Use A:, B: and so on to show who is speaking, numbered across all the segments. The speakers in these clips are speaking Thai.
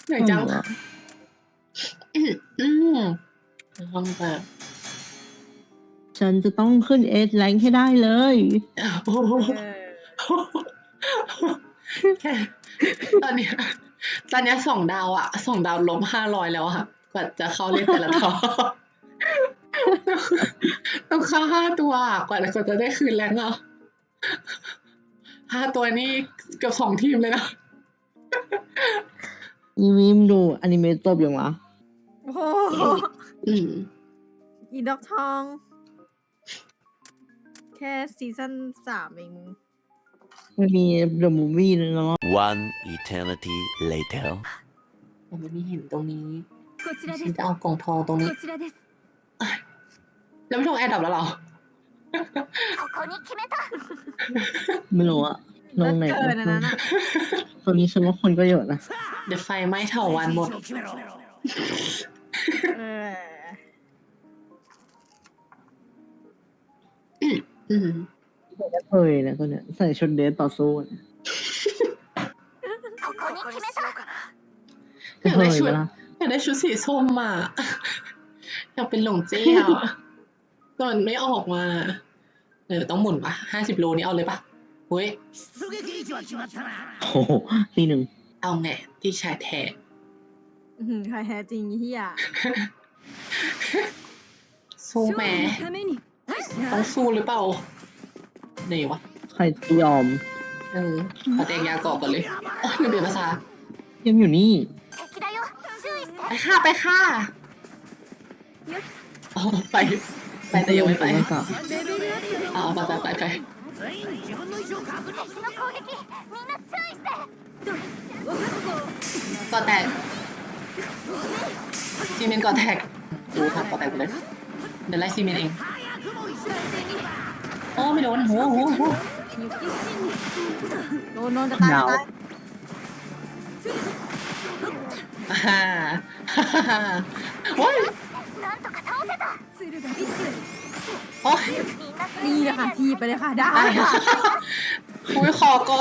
A: เหนื่อยจังห้องแบบ
B: ฉันจะต้องขึ้นเอสแรงให้ได้เลย
A: โอ้โหแค่ตอนเนี้ย2 ดาวอะ2 ดาวลบ500แล้วอะกว่าจะเข้าเล่นแต่ละทอต้องเข้า5 ตัวกว่าจะได้คืนแรงอ่ะ5 ตัวนี่เกือบ2 ทีมเลยนะ
B: อีวิมดูอนิเมะจบยังวะ
C: โอ้โห อีดอกทอง แค่ซีซั่น3เองมึง
B: มันมีเดอะมูฟวี่เนาะ
D: One eternity later.
A: ผมไม่เห็นตรงนี้
E: こちらで
A: ฉัน
E: す
A: จะเอากล่องทองตรงนี้
E: こちらです
A: แล้วไม่ลงแอร์ดับแล้วเหรอ
E: ここに決めた
B: ไม่รู้อะลงไหน
C: เกินอันนั้นอะ
B: ตอนนี้ฉันว่าคนก็เยอะนะ
A: เดี๋ยวไฟไหม้เถาวันหมด
C: เออ
A: อืม
B: ก็เคยนะตัวเนี้ยใส่ชุดเดทต่อสู้นะ
E: ここに決めた
B: ก็เคยเวลา
A: อยากได้ชุดสีส้มอ่ะ อยากเป็นหลงเจี้ยแต่มันไม่ออกมาต้องหมุนปะ50 โลนี่เอาเลยปะเฮ้ย
B: โอ้โหทีหนึ่ง
A: เอาไงที่ชายแท้
C: ใครแท้จริงเฮีย
A: สู้
E: 勝
A: แหม
E: 利のために
A: ต้องสู้หรือเปล่าไหนวะ
B: ใครจะยอม
A: ขอแตงยาก่อนก่อนเลยโอ้ยลืมเปลี่ยนภาษา
B: ยังอยู่นี่
E: 敵だよ注意して
A: ไปค่ะไปค่ะอ๋อไปแต่ยังไม่ไป
E: レベルアップです
A: อ๋อไป
E: 敵の攻撃みんな注意して分かった
A: ก่อแตกซีเมนต์ก่อแตกดูค่ะก่อแตกไปเลยเดี๋ยวไล่ซีเมนต์เองโอ้ไม่โดนโห
C: โดนจะตาย
B: ดาว
C: ตาย
A: ฮ่าโอ้ย
E: なんとか倒せた鶴がビス
A: โอ้ย
C: นี่เลยค่ะทีบไปเลยค่ะได้
A: ได้
C: ค่ะ
A: อุ้ยขอก็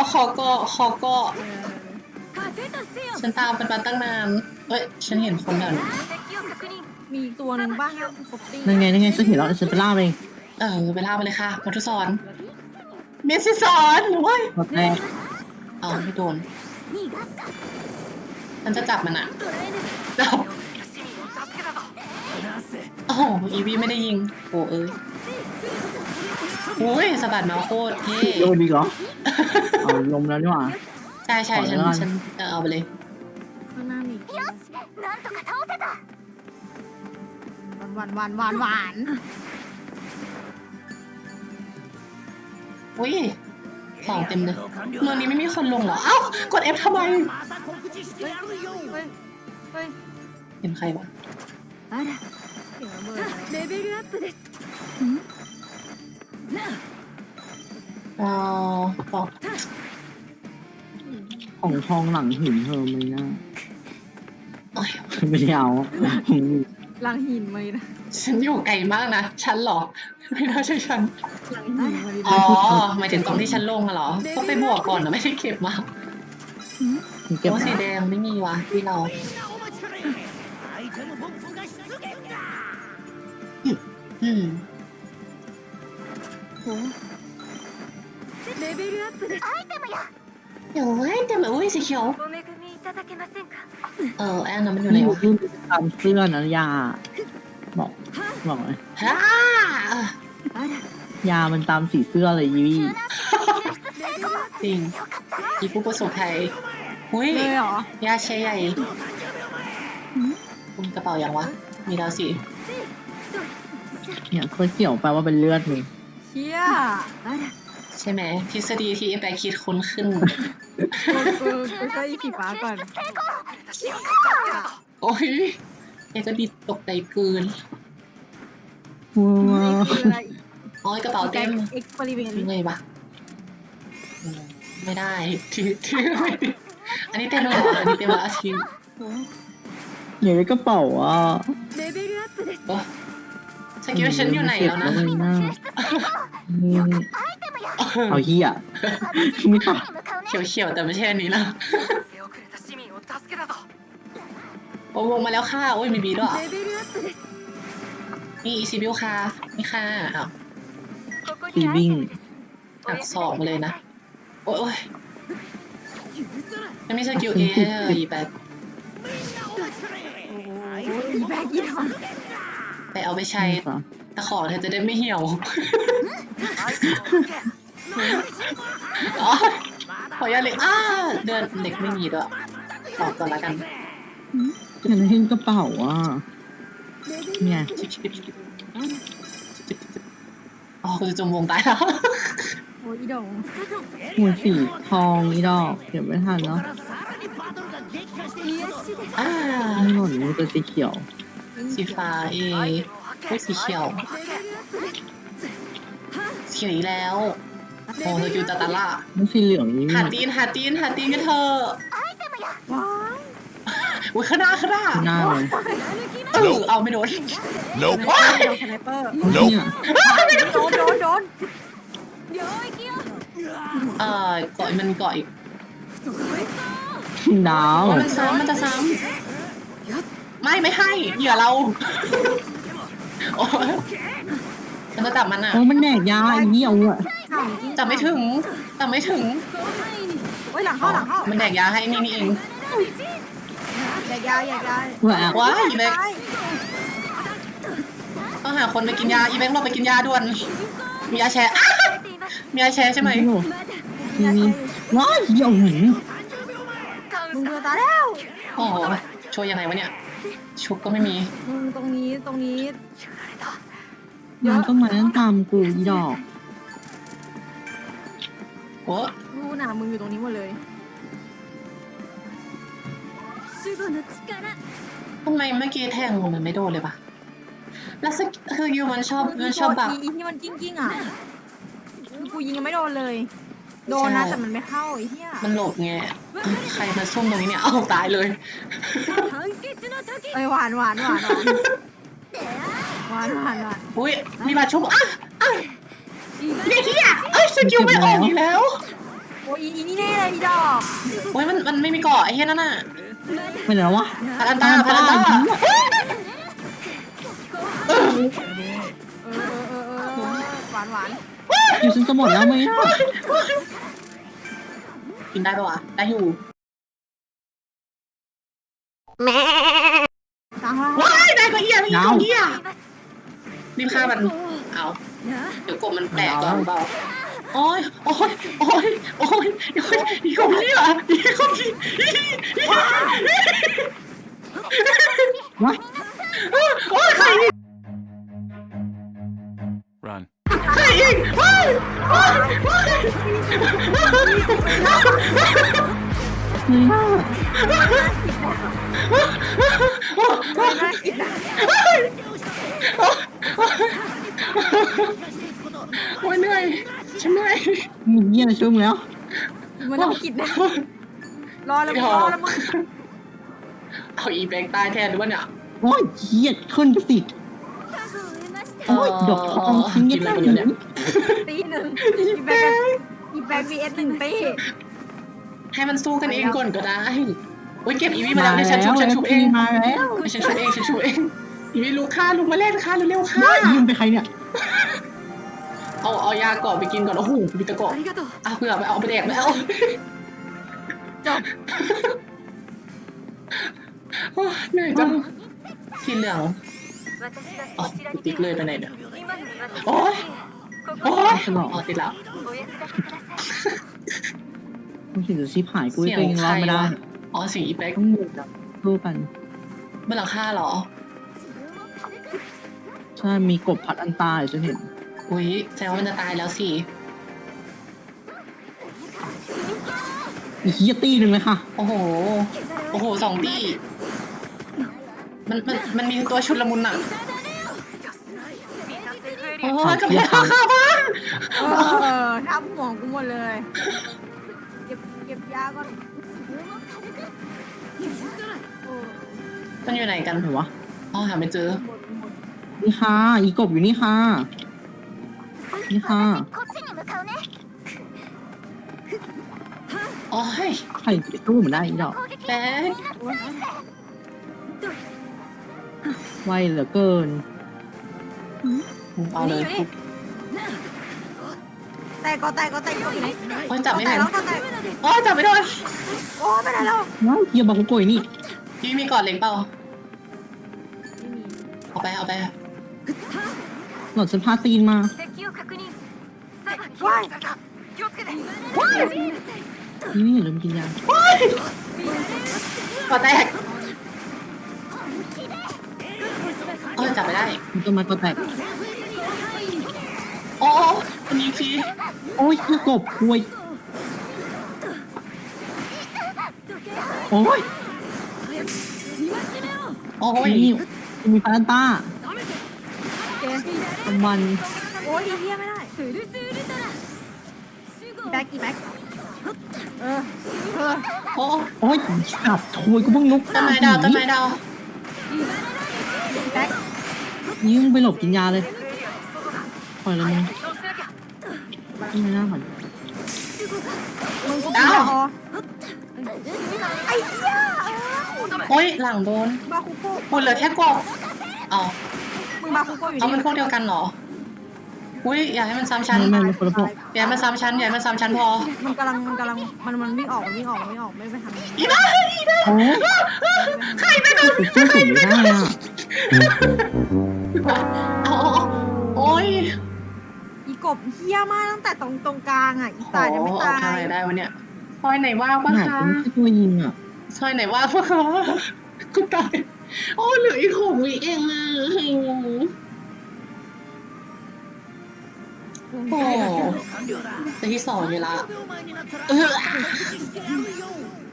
E: 勝てたせよ
A: ฉันตามเป็นมาตั้งนานเอ้ยฉันเห็นคนเดิน
E: 敵を確認
C: มีอีกตัวหนึ่งบ้างครับปกติ
B: นั่นไงฉันเห็นแล้วฉันไปล่าเอง
A: ไปล่าไปเลยค่ะมัทุสอนเมสซี่สอนโอ้ย
B: หมดแรก
A: เอาไม่โดน
E: 逃がすか
A: ฉันจะจับมันอะ
E: 捕らえぬ
A: จับโอ้โหอีวีไม่ได้ยิงโอ้โอ้ยสะบัดมาโคตรเท่
B: โยนดีเหรอเอาลมแล้วนี่หว่า
A: ใช่ฉันเอาไปเลย
C: ข้างหน้ามี
E: よしなんとか倒せた
C: หวาน
A: อุ้ยของเต็มเลยเมืองนี้ไม่มีคนลงเหรอเอ้ากด F ทำไม
C: เฮ้ย
A: เห็นใครวะ
E: あら
C: เสียงระเบิด
E: レベルアップです
A: อ๋อบอก
B: ของทองหลังหินเธอไหมนะ
A: โอ้ย
B: ไม่ได้เอาผมอยู่
C: ลังหินมาเลยนะ
A: ฉันอยู่ไกลมากนะฉันเหรอไม่น่าใช่ฉัน
C: ลังหินมาเลย
A: อ๋
C: นะ
A: อหมายถึงตอนที่ฉันลงอะเหรอก็ไปบวกก่อนนะไม่ได้เก็บมา
B: เก็บ
A: โอ้สีแดงไม่มีวะที่เราอืม
E: レベルアップですアイテムや
A: เดี๋ยวแต่แบบอุ้ยสีเขียว
E: お恵みいただけませんか
A: แอนนั้นมันอยู่
B: นี่
A: ไหน
B: อยู่
A: วะ
B: ที่ตามเสื้อนะยาบอกเลย
A: ฮ่า
E: あら
B: ยามันตามสีเสื้อเลยยีวี่
A: จริงอีผู้ประสบภัยอุ้ย
C: เลยเหรอย
A: าเชยใหญ่คุณกระเป๋ายังวะมีแล้วสิ
B: เนี่ยเสื้อเขียวแปลว่าเป็นเลือดนี่
C: เชี่ย
E: あら
A: ใช่ไหมทฤษฎีที่แปลคิดคุ้นขึ้น
C: ก็อีผีฟ้าก่อน
A: โอ้ยแกก็ดีตกใจเกิน
B: ว้า
C: นี่
B: ว
C: คืออะไร
A: อ๋อกระเป๋าเต็ม
C: เอ็กซ์เพร์เมนต์
A: ยังไงวะไม่ได้ที่ไม่ได้อันนี้เต็มแล้วเหรออันนี้เต็มแล้วอาชีพ
B: อยู่ในกระเป๋าอ่ะ
E: レベルアップです
A: โอ้ฉันคิดว่าฉันอยู่ไหนแล้วนะ
B: ไม่น่าเอาเหี้ยไม่ค่ะ
E: に向かうね
A: เขียวๆแต่ไม่ใช่อันนี้แล้ว
E: 手遅れた市民を助けたぞ
A: โอ้วงมาแล้วค่ะโอ้ยมีบีด้วยเหรอ
E: レベルアップです
A: มีอีซีบิวค่ะนี่ค่ะอ้าว
E: ここ
B: สี
E: にアイ
B: วิ่ง
E: テムです
A: หักศอกมาเลยนะ โอ้ยยังไม่สกิลเออีแบบ
C: อีแบกอีดอก
A: ไปเอาไปใช้ตะขอเธอจะได้ไม่เหี่ยวอ๋อขออนุญาตเลยเดินเด็กไม่มีด้วยตอบก่อนละกัน
B: ฉันเห็นกระเป๋าอ่ะเนี่ย
A: อ๋อคุณจะจมวงตายแล้ว
C: โอ้ยอีดอก
B: หัวสีทองอีดอกเดี๋ยวไม่ทันเนาะ
E: 癒しです
B: ไม่หล่นมือตัวสีเขียว
A: สีฟ้าโอ้ยสีเขียว สีเขียวอีกแล้ว โอ้เธอคิวตาตาล่า
B: ไม่สีเหลืองนี่
A: หาตีนกันเถอะ
C: ว้าย
A: อุ้ยข้างหน้า
B: หน้าเลย
A: เอาไม่โดน
D: Nope.
C: โดนสไนเปอร์
B: เอาเนี่ย
C: โดน
E: 領域よ
A: เกาะมันเกาะอีก
B: ดาว
A: มันจะซ้ำไม่ให้เหยื่อเราโอ้ยมันจะจับมันอ่ะ
B: โอ้มันแดกยาไอ้เหี้ยวอ่ะ
C: ถามจริง
A: จับไม่ถึง
E: 広範囲に
C: โอ้ยหลังเข้า
A: มันแดกยาให้นี่เอง
C: แดกยา
B: แหวก
A: ว้ายอีแบงค์ต้องหาคนไปกินยาอีแบงค์เราไปกินยาด่วน มียาแชร์
E: されています
A: มียาแชร์ใช่ไหม
E: まだ
B: มีว้ายเหี้ยวหนู
C: มึงเดือตาแล้ว
A: โอ้โหช่วยยังไงวะเนี่ย ชุบก็ไม่มี
C: มึงตรงนี้
B: มันก็มานั่งตามกูอีดอก
A: โอ้
C: รู้นะมึงอยู่ตรงนี้หมดเลย
E: 守護の力
A: ทำไมเมื่อกี้แทงมันไม่โดนเลยปะแล้วคือยูมันชอบแบบ
C: อีที่มันกิ้งอ่ะคือกูยิงยังไม่โดนเลย โดนนะแต่มันไม่เข้าไอ้เหี้ย
A: มันหลบไงใครมาซุ่มตรงนี้เนี่ย เอาตายเลย
E: 判決の時
C: เอ้ยหวาน
A: อุ้ยมีบาดชุบเด็กที่อ่ะสกิลไม่ออกอีกแล้ว
C: โอ้ยอีนี่แน่เลยอีดอก
A: โอ้ยมันไม่มีเกาะไอ้เหี้ยนั่นน่ะ
B: ไปไหนแล้ววะ
A: พารันตา
C: เออหวาน
B: อยู่ฉันจะหมดแล้วไหมอ่ะ
A: กินได้ปะวะ ได้อยู่
C: ตามว่า
A: ว้ายได้ก็เหี้ยไม่อีกตัวเหี้ยรีบฆ่ามัน เอา เดี๋ยวกบมันแตกก่อนเปล่าโอ้ยอีกคนนี้เหรออีกคนนี้
B: ว้าย
A: โอ้ยใครอีก
D: Run.
A: ใครอีกว้าย
B: เฮ้ย
C: น่ากินนะ
A: โอ้ยเหนื่อยฉันเหนื่อย
B: มึงเหี้ยชุ่มแล้ว
C: มันต้องกินนะรอแล้วมึง
A: เอาอีแบงค์ตายแทนหรือว่าเนี่ย
B: โอ้ยเหี้ยขึ้นไปสิ
E: 家具を得ました
B: โอ้ยดอกทองทิ้ง
A: กิ
B: ยั
A: น
B: ง
A: อะไร
B: ไง
A: กันอยู่เนี่ย
C: ตีหนึ่งอีแบงค์ VS 1 ตี
A: ให้มันสู้กันเองก่อนก็ได้โอ้ยเก็บอีวีมา
B: มา
A: แล้ว
B: แล้
A: เดี๋ยว
B: ว
A: ฉันชุบเอง
B: มาแล้ว
A: ฉันชุบเองอีวีลูกมาเล่นค่ะเร็วๆค่ะ
B: ว้ายยืมไปใครเนี่ย
A: เอายาก่อนไปกินก่อนโอ้โหมีตะกอน
E: ありがとう
A: เผื่อไปเอาไปแดกไม่เอา
C: จบ
A: โอ้ยเหนื่อยจังสีเหลือง
E: 私が
A: อ๋อ
E: こちらに
A: ติ๊กเลยไปไหนเนี่ย
E: 今の私
A: โอ้ย
E: こ
A: โอ้
E: こ
A: ย
B: ฉลอง
A: อ๋อติดแล้ว
E: お役立てください
B: กูเห็นจะชิบหายกู
A: เสียง
B: ตัวเอง
A: ใค
B: ร
A: ร
B: อดไม่ได้
A: วะอ๋อเสียงอีแบ็ก
B: ต้องหมุนแบบสู้กัน
A: บนหลังคาเหรอ
B: ใช่มีกบพัดอันตายฉันเห็น
A: อุ้ยแสดงว่ามันจะตายแล้วสิ
B: อีเหี้ยตีหนึ่งเลยค่ะ
A: โอ้โหสองตีมันมีตัวชุดละมุนอ่ะโอ้ยกับแพงข้าวบ้าน
C: ทำห่วงกูหมดเลย เก็บยาก่อน
A: มันอยู่ไหนกัน
B: ไหนวะ
A: อ๋อหาไม่เจอ
B: นี่ค่ะ อีกบอยู่นี่ค่ะ นี่ค่ะ
E: こっちに向かうね
A: โอ้ย
B: ใครจะไปสู้มันได้อีดอก
E: 攻撃
A: แบ๊ก
E: みんな注意して
B: ไวเหลือเกิน
A: เอาเลย
C: อยู่นี่แตกก็แตกอยู่ไหน
A: โอ้ยจับไม่
C: แต
A: ทั
C: ก
A: น
C: แล้วก็แตก
A: โอ้ยจับไม่โดน
C: โอ้ไม่ได้แล้ว
B: ว้าวเฮียบาคุโกยนี่
A: พี่มีกอดเล็งเปล่าเอาไปเอาไป
B: หลอดฉันพาตีนมา
E: 敵を確認さあ
C: ว้าย
E: 気をつけて
B: นี่อย่าลืมกินยาก
A: อดแตกโอ้ยจับไม่ได้
B: มันต้นไม้ก็แตก
A: โอ้คนนี้พี่
B: โอ้ยคือกบคุยโอ้ย
A: โอ้ย
B: นี่มีพารันต้า
C: โอเค
B: ตะวัน
C: โอ้ยเฮียไม่ได้อีแบ็คเออ
A: โอ้
B: โอ้ยขับถวยกูเพิ่งลุก
A: ต้นไม้ดาวต้นไม้ดาว
C: อีแบ็ค
B: นี่มึงไปหลบกินยาเลยปล่อยเลยมึงไม่น่าผ่อน
C: มึงกูกินยาออไอ้เหี้ย
A: โอ้ยหลังโดน
C: บาคุโก้
A: คุณเหลือแค่กบเอา
C: มึงบาคุโก้อยู่
A: เอามัน
C: นี่
A: พวกเดียวกันเหรออุ้ยอย่าให้มันซ้ำชั้น
B: ไม่ไม่คนละพวก
A: อย่าให้มันซ้ำชั้นอย่าให้มันซ้ำชั้นพอ
C: มันกำลังมันวิ่งออกไม่ไปทางนี้
A: อีบ้าอีบ้า
B: โอ้ย
A: ใครไปโดน
B: กูสู้สุดไม่ได้อ่ะ
A: เอาโอ้ย
C: อีกบเฮี้ยมากตั้งแต่ตรงกลางอ่ะอีตายยังไม่
A: เอา
C: ตา
A: ทาง
C: ย
A: ไหนได้วะเนี่ยซอยไหนว่าง
B: ข
A: ปะ
B: นาด
A: คะ
B: กูไม่ใช่ตัวยิงอ่ะ
A: ซอยไหนว่างปะคะกูตายโอ้เหลืออีก6 วิเองอ่ะโอ้จะที่2อยู่ละ